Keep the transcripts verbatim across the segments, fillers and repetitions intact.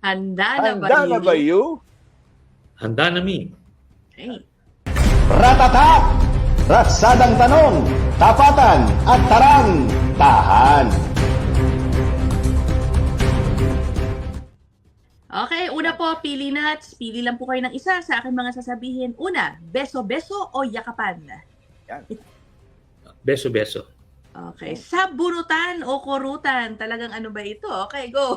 Handa na ba Handa na ba you? you? Handa na mi. Okay. Ratatak! Ratsadang tanong, tapatan at tarang, tahan. Okay, una po, pili nuts. Pili lang po kayo ng isa sa aking mga sasabihin. Una, beso-beso o yakapan? Beso-beso. Okay, sabunutan o kurutan? Talagang ano ba ito? Okay, go.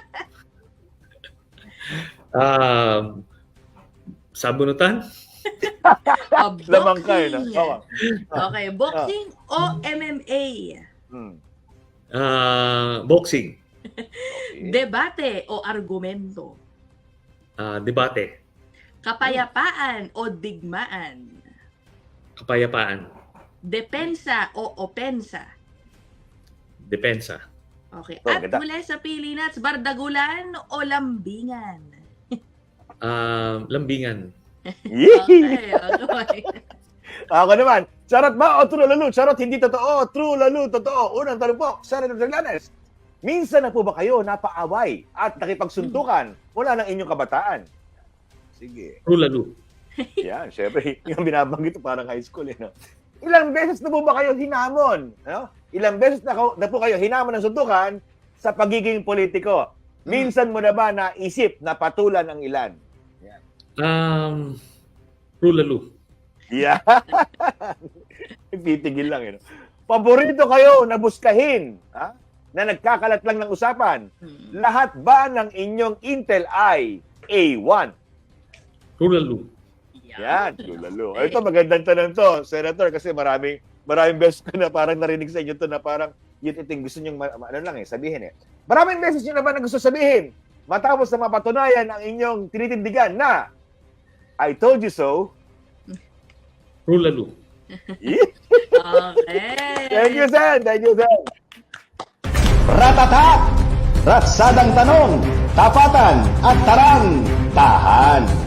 Um, sabunutan? O, Lamang ka, eh, no? boxing. Oo. Okay, boxing o M M A? Hmm. Ah, boxing. Okay. Debate o argumento? Ah, debate. Kapayapaan o digmaan? Kapayapaan. Depensa o opensa? Depensa. Okay. Oh, At ganda. muli sa pili nuts, bardagulan o lambingan? Ah, lambingan. Yee! Okay, okay. Ako naman, charot ba o true lalo? Charot, hindi totoo. True lalo, totoo. Unang tanong po, Senator Terlanes. Minsan na po ba kayo napaaway at nakipagsuntukan mula ng inyong kabataan? Sige. True lalo. Yan, syempre, yung binabanggit parang high school. Eh, no? Ilang beses na po ba kayo hinamon? No? Ilang beses na, na po kayo hinamon ng suntukan sa pagiging politiko? Minsan mo na ba naisip na patulan ang ilan? Um, true lalo. Yeah. Titigil lang. Yun. Paborito kayo na buskahin, ha? Na nagkakalat lang ng usapan. Hmm. Lahat ba ng inyong Intel ay A one? True lalo. Yan, lalo. Ito magandang tanong to, Senator, kasi maraming maraming beses ko na parang narinig sa inyo to na parang yun iting gusto nyo, ano lang eh, sabihin eh. Maraming beses nyo naman na gusto sabihin matapos na mapatunayan ang inyong tinitindigan na I told you so. True lalo. Okay. Thank you, Sen. Thank you, Sen. Ratatak! Ratsadang tanong, tapatan at tarang, tahan.